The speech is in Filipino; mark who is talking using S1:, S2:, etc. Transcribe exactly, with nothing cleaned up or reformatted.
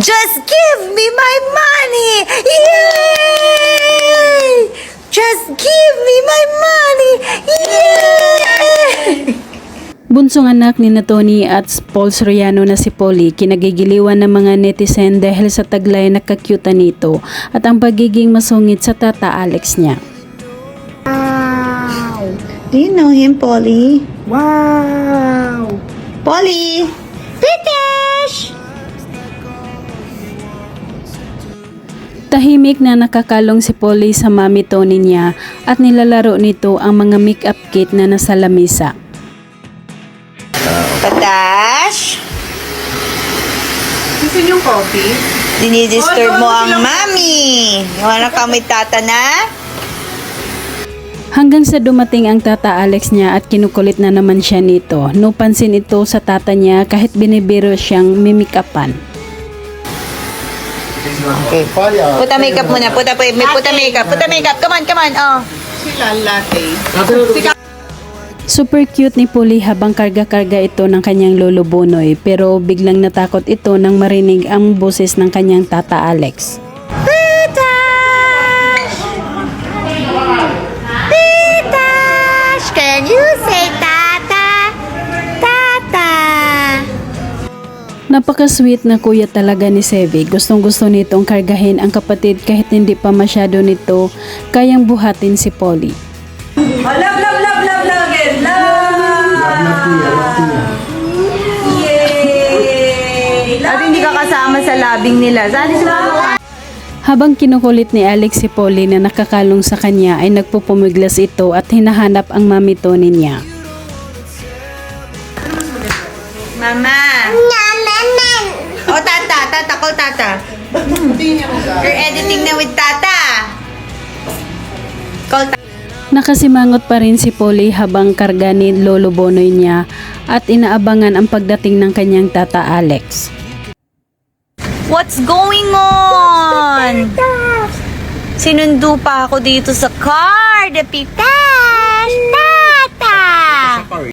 S1: Just give me my money! Yay! Just give me my money! Yay!
S2: Bunsong anak ni na Tony at Paul Soriano na si Polly, kinagigiliwan ng mga netizen dahil sa taglay na kakyuta nito at ang pagiging masungit sa tata Alex niya.
S1: Wow! Do you know him, Polly? Wow! Polly! British!
S2: Tahimik na nakakalong si Polly sa mami Tony niya at nilalaro nito ang mga makeup kit na nasa lamesa.
S1: Patash!
S3: Gusto niyo coffee?
S1: Dinidisturb mo ang mami! Wala ka may tata na?
S2: Hanggang sa dumating ang tata Alex niya at kinukulit na naman siya nito. No pansin ito sa tata niya kahit binibiro siyang mimikapan.
S1: Okay. Puta makeup muna. Puta, may puta makeup. Puta makeup. Come on, come on. Oh.
S3: Sila latte.
S2: Super cute ni Polly habang karga-karga ito ng kanyang lolo Bonoy, pero biglang natakot ito nang marinig ang boses ng kanyang tata Alex.
S1: Pitash! Pitash! Can you say tata? Tata!
S2: Napaka-sweet na kuya talaga ni Sevi. Gustong gusto nitong kargahin ang kapatid kahit hindi pa masyado nito kayang buhatin si Polly.
S3: Oh, love, love, love, love, love again. Love! Yay!
S1: At hindi ka kasama sa labing nila. Saan sila?
S2: Habang kinukulit ni Alex si Polly na nakakalong sa kanya ay nagpupumiglas ito at hinahanap ang mami Tony niya.
S1: Mama! Oh, tata! Tata! Call tata! You're editing na with tata! Call tata!
S2: Nakasimangot pa rin si Polly habang karga ni lolo Bonoy niya at inaabangan ang pagdating ng kanyang tata Alex.
S1: What's going on? Sinundo pa ako dito sa car. The pitash! Tata!